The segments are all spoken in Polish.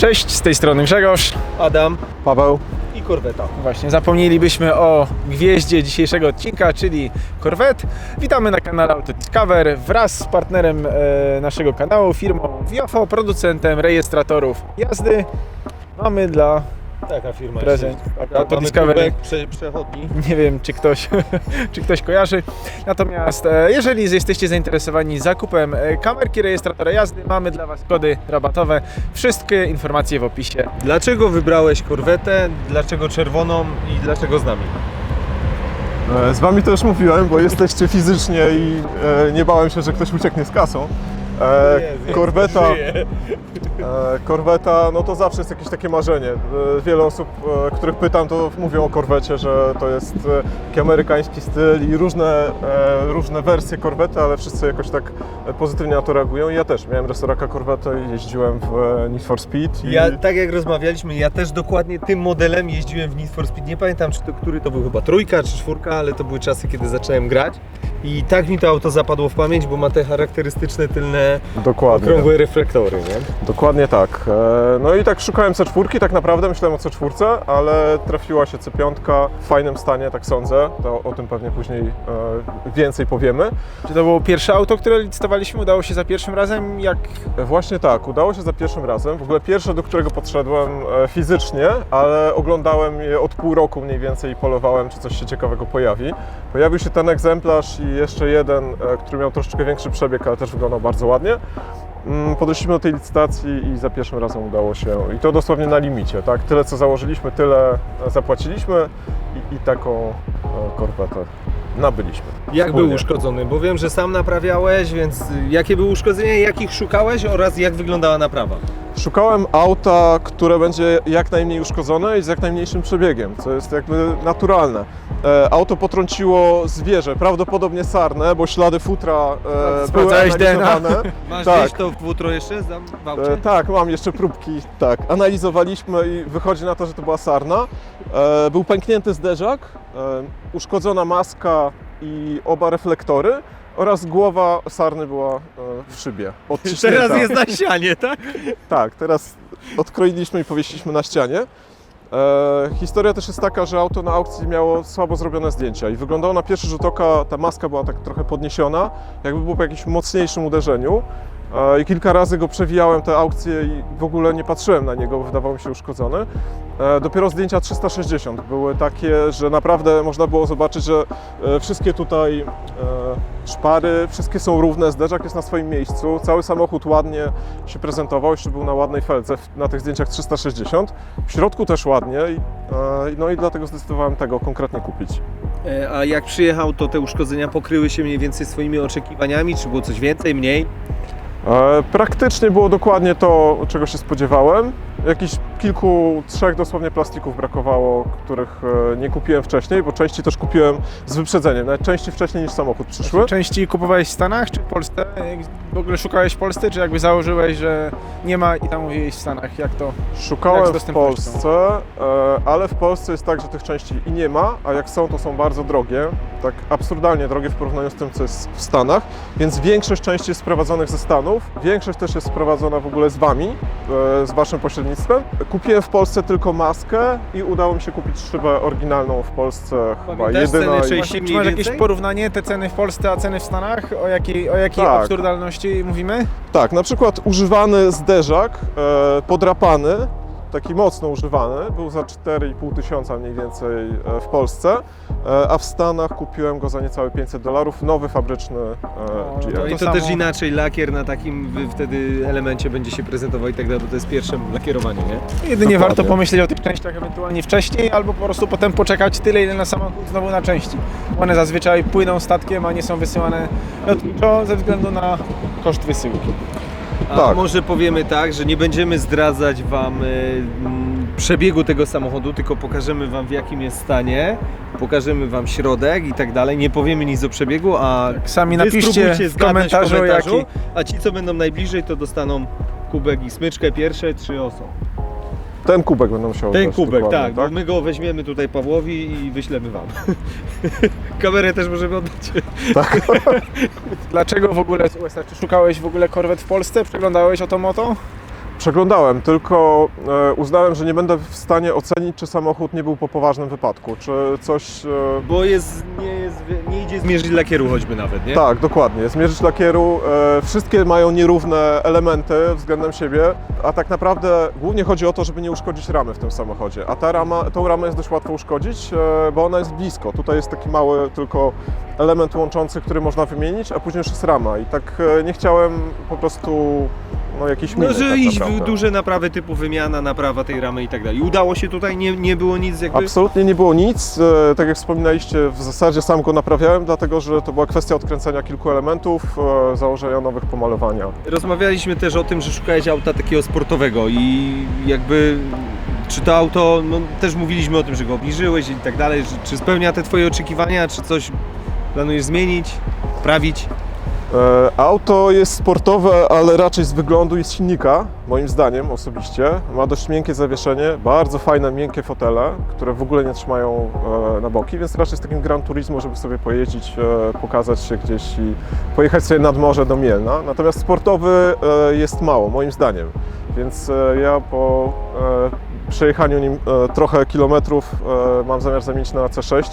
Cześć, z tej strony Grzegorz, Adam, Paweł i Korweta. Właśnie zapomnielibyśmy o gwieździe dzisiejszego odcinka, czyli Corvette. Witamy na kanale Autodiscover wraz z partnerem naszego kanału, firmą Viofo, producentem rejestratorów jazdy. Mamy dla Taka firma prezent jest. Autodiscover. Przechodni. Nie wiem, czy ktoś kojarzy. Natomiast jeżeli jesteście zainteresowani zakupem kamerki rejestratora jazdy, mamy dla Was kody rabatowe. Wszystkie informacje w opisie. Dlaczego wybrałeś korwetę? Dlaczego czerwoną i dlaczego z nami? Z wami też mówiłem, bo jesteście fizycznie i nie bałem się, że ktoś ucieknie z kasą. Korweta, no to zawsze jest jakieś takie marzenie. Wiele osób, których pytam, to mówią o korwecie, że to jest taki amerykański styl i różne wersje korwety, ale wszyscy jakoś tak pozytywnie na to reagują. I ja też miałem resoraka korwetę i jeździłem w Need for Speed. Ja, tak jak rozmawialiśmy, ja też dokładnie tym modelem jeździłem w Need for Speed. Nie pamiętam, który to był, chyba trójka czy czwórka, ale to były czasy, kiedy zacząłem grać. I tak mi to auto zapadło w pamięć, bo ma te charakterystyczne tylne, okrągłe reflektory, nie? Dokładnie tak. No i tak szukałem C4, tak naprawdę myślałem o C4, ale trafiła się C5 w fajnym stanie, tak sądzę. To o tym pewnie później więcej powiemy. Czy to było pierwsze auto, które licytowaliśmy? Udało się za pierwszym razem? Właśnie tak, udało się za pierwszym razem. W ogóle pierwsze, do którego podszedłem fizycznie, ale oglądałem je od pół roku mniej więcej i polowałem, czy coś się ciekawego pojawi. Pojawił się ten egzemplarz i jeszcze jeden, który miał troszeczkę większy przebieg, ale też wyglądał bardzo ładnie. Podeszliśmy do tej licytacji i za pierwszym razem udało się, i to dosłownie na limicie, tak? Tyle co założyliśmy, tyle zapłaciliśmy i taką korwetę nabyliśmy. Jak Wspólnie. był uszkodzony? Bo wiem, że sam naprawiałeś, więc jakie były uszkodzenia, jakich szukałeś oraz jak wyglądała naprawa? Szukałem auta, które będzie jak najmniej uszkodzone i z jak najmniejszym przebiegiem, co jest jakby naturalne. Auto potrąciło zwierzę, prawdopodobnie sarnę, bo ślady futra były Sprawdzałeś DNA? analizowane. Masz Tak. gdzieś to futro jeszcze w aucie? Tak, mam jeszcze próbki, tak. Analizowaliśmy i wychodzi na to, że to była sarna. Był pęknięty zderzak, uszkodzona maska i oba reflektory oraz głowa sarny była w szybie. Odciśnięta. Teraz jest na ścianie, tak? Tak, teraz odkroiliśmy i powiesiliśmy na ścianie. Historia też jest taka, że auto na aukcji miało słabo zrobione zdjęcia i wyglądało na pierwszy rzut oka, ta maska była tak trochę podniesiona, jakby było po jakimś mocniejszym uderzeniu. I kilka razy go przewijałem te aukcje i w ogóle nie patrzyłem na niego, bo wydawał mi się uszkodzony. Dopiero zdjęcia 360 były takie, że naprawdę można było zobaczyć, że wszystkie tutaj szpary, wszystkie są równe, zderzak jest na swoim miejscu, cały samochód ładnie się prezentował, jeszcze był na ładnej felce na tych zdjęciach 360. W środku też ładnie, no i dlatego zdecydowałem tego konkretnie kupić. A jak przyjechał, to te uszkodzenia pokryły się mniej więcej swoimi oczekiwaniami? Czy było coś więcej, mniej? Praktycznie było dokładnie to, czego się spodziewałem. Jakichś trzech dosłownie plastików brakowało, których nie kupiłem wcześniej, bo części też kupiłem z wyprzedzeniem, nawet części wcześniej niż samochód przyszły. Części kupowałeś w Stanach czy w Polsce? W ogóle szukałeś w Polsce, czy jakby założyłeś, że nie ma i tam mówiłeś w Stanach? Jak to? Szukałem z w dostępnością? Polsce, ale w Polsce jest tak, że tych części i nie ma, a jak są, to są bardzo drogie, tak absurdalnie drogie w porównaniu z tym, co jest w Stanach, więc większość części jest sprowadzonych ze Stanów, większość też jest sprowadzona w ogóle z Wami, z Waszym pośrednictwem. Kupiłem w Polsce tylko maskę i udało mi się kupić szybę oryginalną w Polsce, chyba Pamiętasz jedyna. cenę Czy mniej masz jakieś więcej? porównanie, te ceny w Polsce, a ceny w Stanach? O jakiej Tak. absurdalności mówimy? Tak, na przykład używany zderzak, podrapany, taki mocno używany, był za 4,5 tysiąca mniej więcej w Polsce, a w Stanach kupiłem go za niecałe $500, nowy fabryczny No GM. i To to samo. też inaczej lakier na takim wtedy elemencie będzie się prezentował i tak dalej, bo to jest pierwsze lakierowanie, nie? Jedynie Dokładnie. warto pomyśleć o tych częściach ewentualnie wcześniej, albo po prostu potem poczekać tyle, ile na samochód znowu na części. One zazwyczaj płyną statkiem, a nie są wysyłane lotniczo ze względu na koszt wysyłki. A Tak. może powiemy tak, że nie będziemy zdradzać Wam przebiegu tego samochodu, tylko pokażemy Wam, w jakim jest stanie, pokażemy Wam środek i tak dalej, nie powiemy nic o przebiegu, a Sami wy napiszcie spróbujcie w zgadnąć komentarzu, jaki... a ci, co będą najbliżej, to dostaną kubek i smyczkę pierwsze 3 osoby. Ten kubek będę musiał Ten dać kubek, dokładnie, tak, bo my go weźmiemy tutaj Pawłowi i wyślemy Wam. Kamerę też możemy oddać. Dlaczego w ogóle, czy szukałeś w ogóle korwet w Polsce? Przeglądałeś Otomoto? Przeglądałem, tylko uznałem, że nie będę w stanie ocenić, czy samochód nie był po poważnym wypadku, czy coś... Bo nie idzie zmierzyć lakieru choćby nawet, nie? Tak, dokładnie. Zmierzyć lakieru, wszystkie mają nierówne elementy względem siebie, a tak naprawdę głównie chodzi o to, żeby nie uszkodzić ramy w tym samochodzie. A tą ramę jest dość łatwo uszkodzić, bo ona jest blisko. Tutaj jest taki mały tylko element łączący, który można wymienić, a później już jest rama. I tak nie chciałem po prostu jakiejś miny. No, że tak iść w naprawdę. duże naprawy typu wymiana, naprawa tej ramy i tak dalej. Udało się tutaj, nie było nic jakby... Absolutnie nie było nic. Tak jak wspominaliście, w zasadzie sam go naprawiałem, dlatego że to była kwestia odkręcenia kilku elementów, założenia nowych, pomalowania. Rozmawialiśmy też o tym, że szukałeś auta takiego sportowego i jakby czy to auto, no też mówiliśmy o tym, że go obniżyłeś i tak dalej, czy spełnia te twoje oczekiwania, czy coś planujesz zmienić, poprawić? Auto jest sportowe, ale raczej z wyglądu i z silnika, moim zdaniem osobiście. Ma dość miękkie zawieszenie, bardzo fajne, miękkie fotele, które w ogóle nie trzymają na boki, więc raczej z takim Gran Turismo, żeby sobie pojeździć, pokazać się gdzieś i pojechać sobie nad morze do Mielna. Natomiast sportowy jest mało, moim zdaniem. Więc ja po przejechaniu nim trochę kilometrów mam zamiar zamienić na C6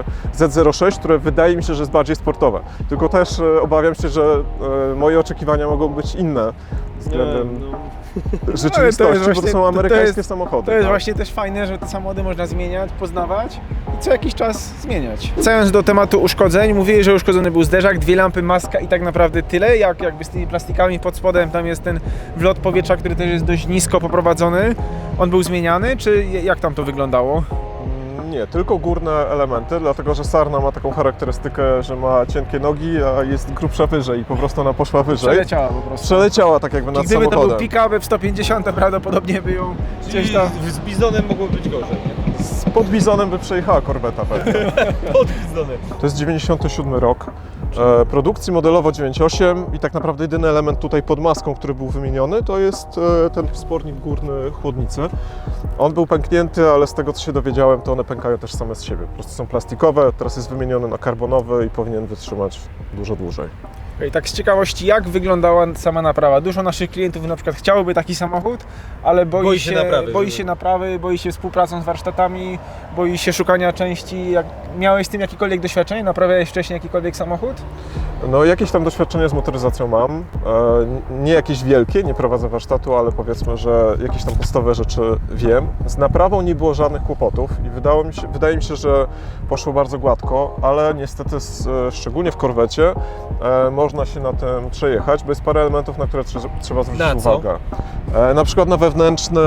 Z06, które wydaje mi się, że jest bardziej sportowe. Tylko też obawiam się, że moje oczekiwania mogą być inne względem rzeczywistości, bo to są amerykańskie samochody. To jest tak? właśnie też fajne, że te samochody można zmieniać, poznawać i co jakiś czas zmieniać. Wracając do tematu uszkodzeń, mówili, że uszkodzony był zderzak, 2 lampy, maska i tak naprawdę tyle, jakby z tymi plastikami pod spodem, tam jest ten wlot powietrza, który też jest dość nisko poprowadzony. On był zmieniany, czy jak tam to wyglądało? Nie, tylko górne elementy, dlatego że Sarna ma taką charakterystykę, że ma cienkie nogi, a jest grubsza wyżej i po prostu ona poszła wyżej. Przeleciała po prostu. Przeleciała tak jakby nad Gdyby to samochodem. był pick-up F-150, prawdopodobnie by ją gdzieś tam... Z Bizonem mogło być gorzej, nie? Pod Bizonem by przejechała korweta pewnie. Pod Bizonem. To jest 97 rok. Produkcji modelowo 9.8 i tak naprawdę jedyny element tutaj pod maską, który był wymieniony, to jest ten wspornik górny chłodnicy. On był pęknięty, ale z tego co się dowiedziałem, to one pękają też same z siebie. Po prostu są plastikowe, teraz jest wymieniony na karbonowy i powinien wytrzymać dużo dłużej. I tak z ciekawości, jak wyglądała sama naprawa? Dużo naszych klientów na przykład chciałoby taki samochód, ale boi się naprawy, boi się współpracą z warsztatami, boi się szukania części. Miałeś z tym jakiekolwiek doświadczenie? Naprawiałeś wcześniej jakikolwiek samochód? No jakieś tam doświadczenie z motoryzacją mam, nie jakieś wielkie, nie prowadzę warsztatu, ale powiedzmy, że jakieś tam podstawowe rzeczy wiem. Z naprawą nie było żadnych kłopotów i wydaje mi się, że poszło bardzo gładko, ale niestety szczególnie w korwecie można się na tym przejechać, bo jest parę elementów, na które trzeba zwrócić uwagę. Na przykład na wewnętrzne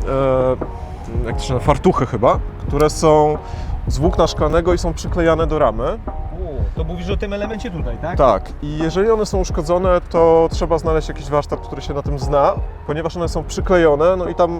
jak to się nazywa, fartuchy chyba, które są z włókna szklanego i są przyklejane do ramy. To mówisz o tym elemencie tutaj, tak? Tak, i jeżeli one są uszkodzone, to trzeba znaleźć jakiś warsztat, który się na tym zna, ponieważ one są przyklejone, no i tam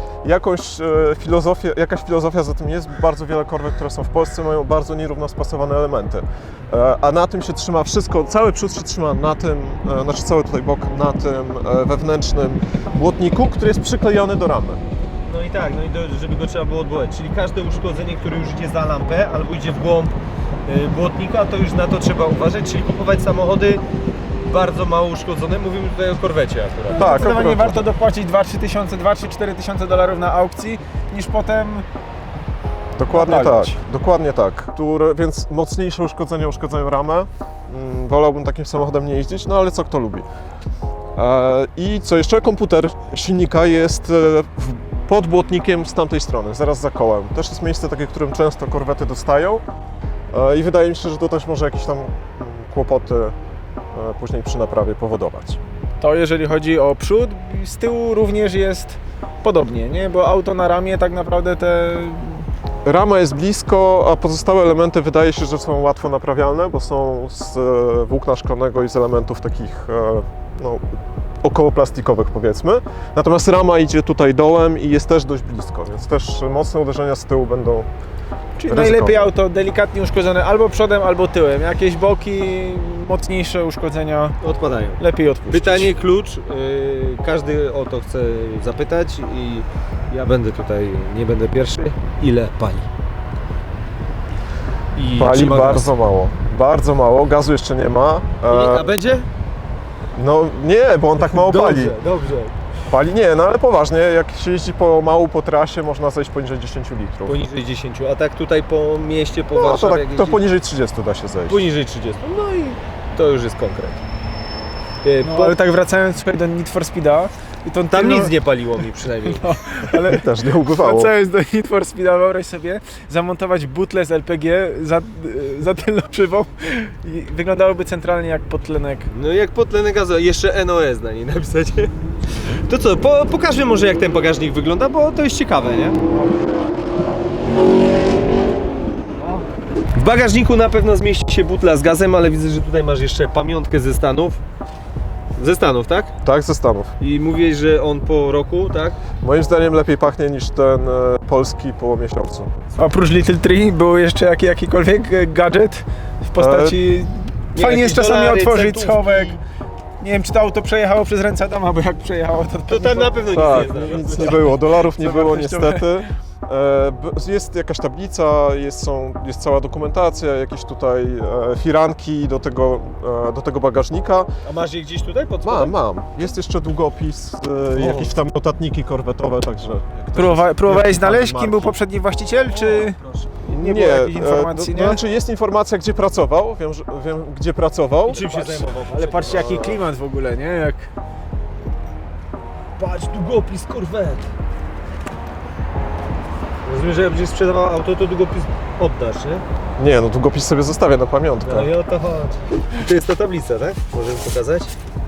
jakaś filozofia za tym jest. Bardzo wiele korwet, które są w Polsce, mają bardzo nierówno spasowane elementy. A na tym się trzyma wszystko, cały przód się trzyma na tym, znaczy cały tutaj bok na tym wewnętrznym błotniku, który jest przyklejony do ramy. No i tak, żeby go trzeba było odwołać. Czyli każde uszkodzenie, które już idzie za lampę albo idzie w głąb błotnika, to już na to trzeba uważać, czyli kupować samochody bardzo mało uszkodzone. Mówimy tutaj o korwecie akurat. Tak, Zdecydowanie warto dopłacić 2-4 tysiące dolarów na aukcji, niż potem Dokładnie naprawić. tak, dokładnie tak. Więc mocniejsze uszkodzenia uszkodzają ramę. Wolałbym takim samochodem nie jeździć, no ale co kto lubi. I co jeszcze? Komputer silnika jest pod błotnikiem z tamtej strony, zaraz za kołem. Też jest miejsce takie, którym często korwety dostają i wydaje mi się, że to też może jakieś tam kłopoty później przy naprawie powodować. To jeżeli chodzi o przód, z tyłu również jest podobnie, nie? Bo auto na ramię tak naprawdę Rama jest blisko, a pozostałe elementy wydaje się, że są łatwo naprawialne, bo są z włókna szklanego i z elementów takich około plastikowych powiedzmy. Natomiast rama idzie tutaj dołem i jest też dość blisko, więc też mocne uderzenia z tyłu będą Czyli ryzykowne. najlepiej auto delikatnie uszkodzone albo przodem, albo tyłem. Jakieś boki, mocniejsze uszkodzenia Odpadają. lepiej odpuścić. Pytanie, klucz. Każdy o to chce zapytać i ja nie będę pierwszy. Ile pali? Pali bardzo mało, gazu jeszcze nie ma. A będzie? No nie, bo on tak mało pali. Dobrze. Pali? Nie, no ale poważnie, jak się jeździ pomału po trasie, można zejść poniżej 10 litrów. Poniżej 10, a tak tutaj po mieście, po No to, Warszawie, tak, jak to jeździ- poniżej 30 da się zejść. poniżej 30. No i to już jest konkret. No, ale tak wracając słuchaj, do Need for Speeda i tą Tam tylną- nic nie paliło mi przynajmniej. No, ale Też nie ubywało. wracając do Need for Speeda, wyobraź sobie zamontować butlę z LPG za tylną szybą i wyglądałoby centralnie jak podtlenek. No jak podtlenek gazowy, jeszcze NOS na niej napisać. To co, pokażmy może jak ten bagażnik wygląda, bo to jest ciekawe, nie? W bagażniku na pewno zmieści się butla z gazem, ale widzę, że tutaj masz jeszcze pamiątkę ze Stanów. Ze Stanów, tak? Tak, ze Stanów. I mówiłeś, że on po roku, tak? Moim zdaniem lepiej pachnie niż ten polski po miesiącu. Oprócz Little Tree był jeszcze jakikolwiek gadżet w postaci... Nie, Fajnie jest jakieś czasami dolary, otworzyć centówki. schowek. Nie wiem, czy to auto przejechało przez ręce Adama, bo jak przejechało, To tam na pewno Tak, nic nie jest. nic nie było, dolarów nie było wartościowe. niestety. Jest jakaś tablica, jest cała dokumentacja, jakieś tutaj firanki do tego bagażnika. A masz je gdzieś tutaj pod spodem? Mam. Jest jeszcze długopis, jakieś tam notatniki korwetowe, także... jak Próbowałeś ktoś- znaleźć, kim marki. był poprzedni właściciel, czy Proszę. nie było jakichś informacji, nie? Znaczy jest informacja, gdzie pracował, wiem gdzie pracował. I czym się zajmował? Ale patrzcie, jaki klimat w ogóle, nie? Jak... Patrz, długopis Corvette. Rozumiem, że jak będziesz sprzedawał auto, to długopis oddasz, nie? Nie, no długopis sobie zostawię na pamiątkę. No i o to chodzi. To jest ta tablica, tak? Możemy pokazać?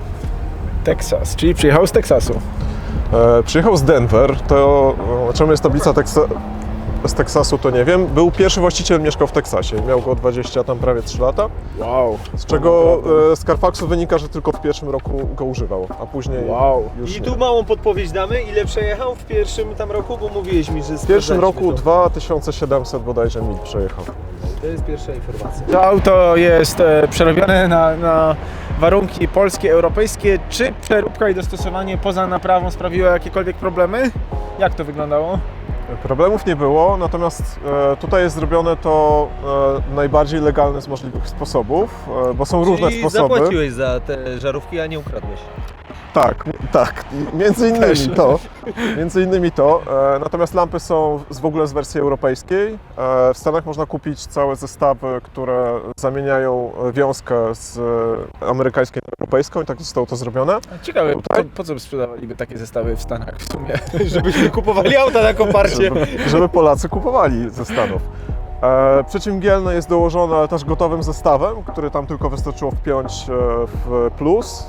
Texas, czyli przyjechał z Teksasu. Przyjechał z Denver, to czemu jest tablica z Teksasu, to nie wiem. Był pierwszy właściciel, mieszkał w Teksasie, miał go 20, tam prawie 3 lata, Wow. z czego z Carfaxu wynika, że tylko w pierwszym roku go używał, a później Wow. już I nie. tu małą podpowiedź damy, ile przejechał w pierwszym tam roku, bo mówiłeś mi, że W pierwszym roku sprawdzaliśmy 2700 bodajże mil przejechał. to jest pierwsza informacja. To auto jest przerobione na warunki polskie, europejskie. Czy przeróbka i dostosowanie poza naprawą sprawiło jakiekolwiek problemy? Jak to wyglądało? Problemów nie było, natomiast tutaj jest zrobione to najbardziej legalny z możliwych sposobów, bo są różne Czyli sposoby. zapłaciłeś za te żarówki, a nie ukradłeś. Tak, między innymi to. Natomiast lampy są w ogóle z wersji europejskiej. W Stanach można kupić całe zestawy, które zamieniają wiązkę z amerykańskiej na europejską i tak zostało to zrobione. Ciekawe, Tutaj? po co by sprzedawaliby takie zestawy w Stanach w sumie? Żebyśmy kupowali auta na koparcie. Żeby Polacy kupowali ze Stanów. Przeciwmgielne jest dołożone ale też gotowym zestawem, który tam tylko wystarczyło wpiąć w plus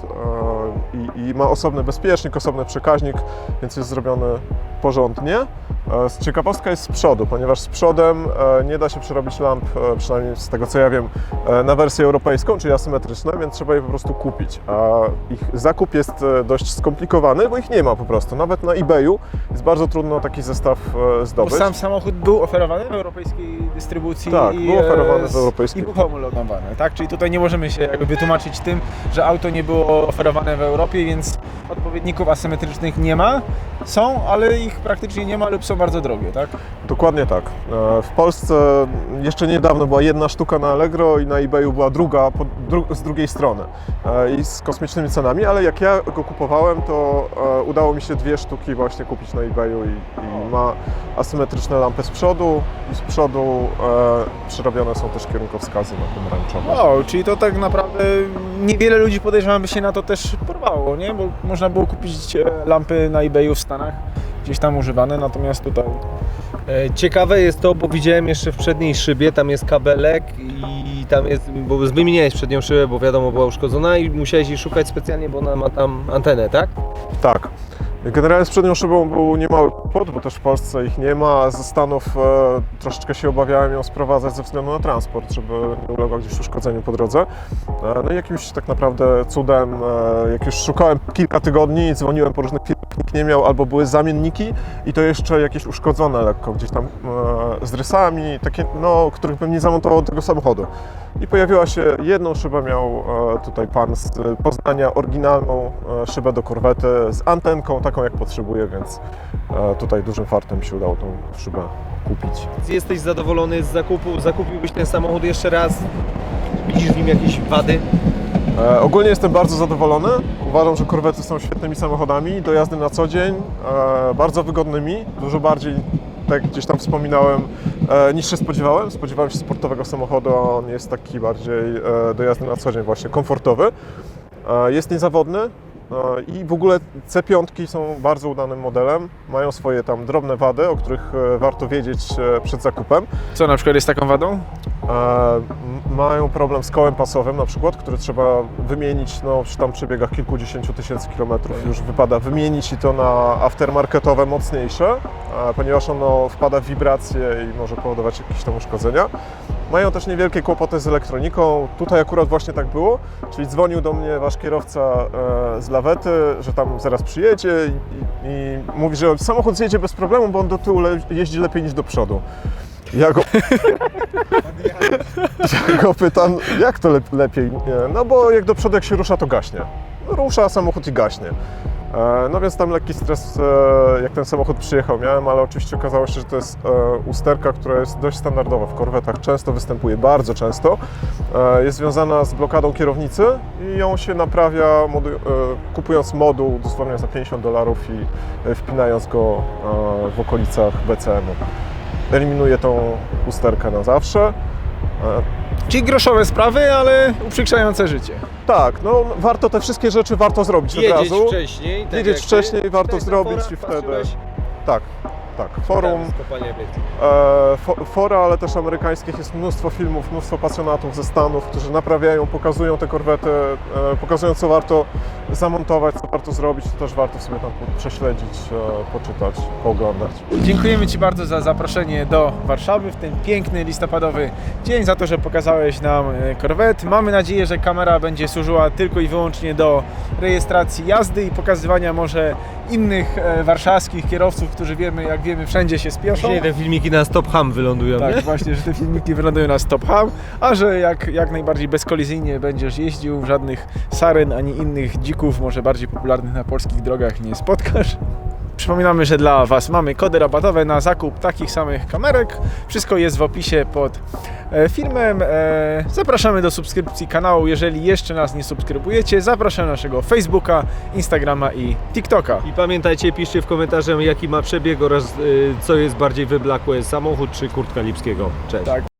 i ma osobny bezpiecznik, osobny przekaźnik, więc jest zrobiony porządnie. Ciekawostka jest z przodu, ponieważ z przodem nie da się przerobić lamp, przynajmniej z tego co ja wiem, na wersję europejską, czyli asymetryczne, więc trzeba je po prostu kupić. A ich zakup jest dość skomplikowany, bo ich nie ma po prostu. Nawet na eBayu jest bardzo trudno taki zestaw Bo zdobyć. sam samochód był oferowany w europejskiej dystrybucji Tak, i był oferowany w i europejskiej. był homologowany, tak? Czyli tutaj nie możemy się jakby wytłumaczyć tym, że auto nie było oferowane w Europie, więc odpowiedników asymetrycznych nie ma. Są, ale ich praktycznie nie ma lub są bardzo drogie, tak? Dokładnie tak. W Polsce jeszcze niedawno była jedna sztuka na Allegro i na eBayu była druga z drugiej strony i z kosmicznymi cenami, ale jak ja go kupowałem, to udało mi się 2 sztuki właśnie kupić na eBayu i ma asymetryczne lampy z przodu i z przodu przerobione są też kierunkowskazy na pomarańczowo. Wow, czyli to tak naprawdę niewiele ludzi podejrzewam by się na to też porwało, nie? Bo można było kupić lampy na eBayu w Stanach, gdzieś tam używane, natomiast tutaj... Ciekawe jest to, bo widziałem jeszcze w przedniej szybie, tam jest kabelek i tam jest, bo wymieniałeś przednią szybę, bo wiadomo była uszkodzona i musiałeś jej szukać specjalnie, bo ona ma tam antenę, tak? Tak. Generalnie z przednią szybą był niemały kłopot, bo też w Polsce ich nie ma. Ze Stanów troszeczkę się obawiałem ją sprowadzać ze względu na transport, żeby nie uległa gdzieś uszkodzeniu po drodze. No i jakimś tak naprawdę cudem, jak już szukałem kilka tygodni, dzwoniłem po różnych firmach, nikt nie miał, albo były zamienniki i to jeszcze jakieś uszkodzone lekko, gdzieś tam z rysami, takie, no, których bym nie zamontował do tego samochodu. I pojawiła się jedną szybę, miał tutaj pan z Poznania, oryginalną szybę do korwety z antenką, taką jak potrzebuję, więc tutaj dużym fartem mi się udało tą szybę kupić. Jesteś zadowolony z zakupu? Zakupiłbyś ten samochód jeszcze raz? Widzisz w nim jakieś wady? Ogólnie jestem bardzo zadowolony. Uważam, że korwety są świetnymi samochodami do jazdy na co dzień, bardzo wygodnymi, dużo bardziej, tak jak gdzieś tam wspominałem, niż się spodziewałem. Spodziewałem się sportowego samochodu, a on jest taki bardziej do jazdy na co dzień właśnie komfortowy. Jest niezawodny i w ogóle C5 są bardzo udanym modelem. Mają swoje tam drobne wady, o których warto wiedzieć przed zakupem. Co na przykład jest taką wadą? Mają problem z kołem pasowym na przykład, który trzeba wymienić przy tam przebiegach kilkudziesięciu tysięcy kilometrów. Już wypada wymienić i to na aftermarketowe mocniejsze, ponieważ ono wpada w wibracje i może powodować jakieś tam uszkodzenia. Mają też niewielkie kłopoty z elektroniką. Tutaj akurat właśnie tak było, czyli dzwonił do mnie wasz kierowca z lawety, że tam zaraz przyjedzie i mówi, że samochód zjedzie bez problemu, bo on do tyłu jeździ lepiej niż do przodu. Ja go pytam, jak to lepiej? No bo jak do przodu jak się rusza, to gaśnie. Rusza samochód i gaśnie. No więc tam lekki stres, jak ten samochód przyjechał, miałem, ale oczywiście okazało się, że to jest usterka, która jest dość standardowa w korwetach. Często występuje, bardzo często. Jest związana z blokadą kierownicy i ją się naprawia kupując moduł dosłownie za $50 i wpinając go w okolicach BCM-u. Eliminuje tą usterkę na zawsze. Czyli groszowe sprawy, ale uprzykrzające życie. Tak, no warto te wszystkie rzeczy zrobić od razu. Wcześniej. Wiedzieć wcześniej, warto zrobić i wtedy. Tak. Forum, fora, ale też amerykańskich jest mnóstwo filmów, mnóstwo pasjonatów ze Stanów, którzy naprawiają, pokazują te korwety, pokazują co warto zamontować, co warto zrobić, to też warto sobie tam prześledzić, poczytać, pooglądać. Dziękujemy Ci bardzo za zaproszenie do Warszawy w ten piękny listopadowy dzień, za to, że pokazałeś nam korwet. Mamy nadzieję, że kamera będzie służyła tylko i wyłącznie do rejestracji jazdy i pokazywania może innych warszawskich kierowców, którzy jak wiemy, wszędzie się spieszą. Dzisiaj te filmiki na Stop Ham wylądują, Tak, nie? właśnie, że te filmiki wylądują na Stop Ham, a że jak najbardziej bezkolizyjnie będziesz jeździł, żadnych saren ani innych dzików, może bardziej popularnych na polskich drogach, nie spotkasz. Przypominamy, że dla Was mamy kody rabatowe na zakup takich samych kamerek. Wszystko jest w opisie pod filmem. Zapraszamy do subskrypcji kanału, jeżeli jeszcze nas nie subskrybujecie. Zapraszam na naszego Facebooka, Instagrama i TikToka. I pamiętajcie, piszcie w komentarzach, jaki ma przebieg oraz co jest bardziej wyblakłe, samochód czy kurtka Lipskiego. Cześć. Tak.